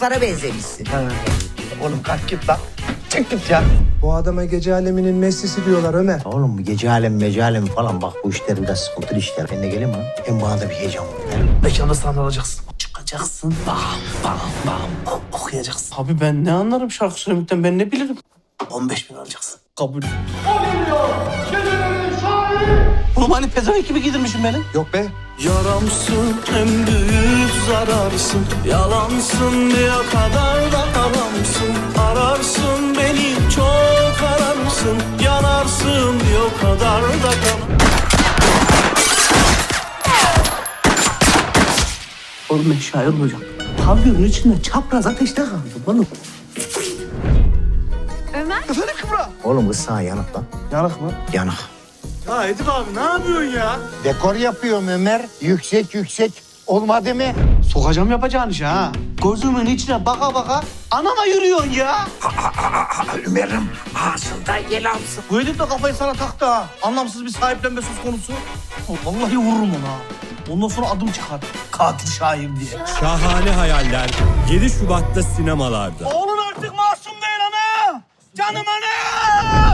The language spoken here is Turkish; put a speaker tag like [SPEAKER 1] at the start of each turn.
[SPEAKER 1] Muhtar'a benzemişsin.
[SPEAKER 2] Oğlum kalk git lan. Çık git ya.
[SPEAKER 3] Bu adama gece aleminin Messi'si diyorlar Ömer.
[SPEAKER 1] Oğlum bu gece alem falan bak bu işler biraz sıkıntılı işler. Ben de geleyim mi? Hem bana da bir heyecan var.
[SPEAKER 2] Mekanda sahne alacaksın. Çıkacaksın. Bam bam bam. Okuyacaksın. Abi ben ne anlarım şarkı söylemekten, ben ne bilirim. 15.000 alacaksın. Kabul. Oğlum hani pezevenk gibi giydirmişim beni.
[SPEAKER 3] Yok be.
[SPEAKER 2] Yaramsın, en büyük zararsın. Yalansın, bir o kadar da haramsın. Ararsın beni, çok ararsın. Yanarsın, bir o kadar da Oğlum ben şair olacağım. Pavyonun içinde çapraz ateşte kaldım oğlum.
[SPEAKER 4] Ömer?
[SPEAKER 2] Efendim Kübra?
[SPEAKER 1] Oğlum kız sana yanık lan.
[SPEAKER 2] Yanık mı?
[SPEAKER 1] Yanık.
[SPEAKER 2] Ya Edip abi ne yapıyorsun ya?
[SPEAKER 5] Dekor yapıyorum Ömer. Yüksek. Olmadı mı?
[SPEAKER 2] Sokacağım yapacağın işe ha. Gözümün içine baka baka anama yürüyorsun ya.
[SPEAKER 5] Ömer'im ağzında yel alsın.
[SPEAKER 2] Bu Edip de kafayı sana taktı ha. Anlamsız bir sahiplenme söz konusu. Vallahi vururum onu ha. Ondan sonra adım çıkar. Katil Şahin diye.
[SPEAKER 6] Şahane Hayaller 7 Şubat'ta sinemalarda.
[SPEAKER 2] Oğlun artık masum değil ana. Canım ana.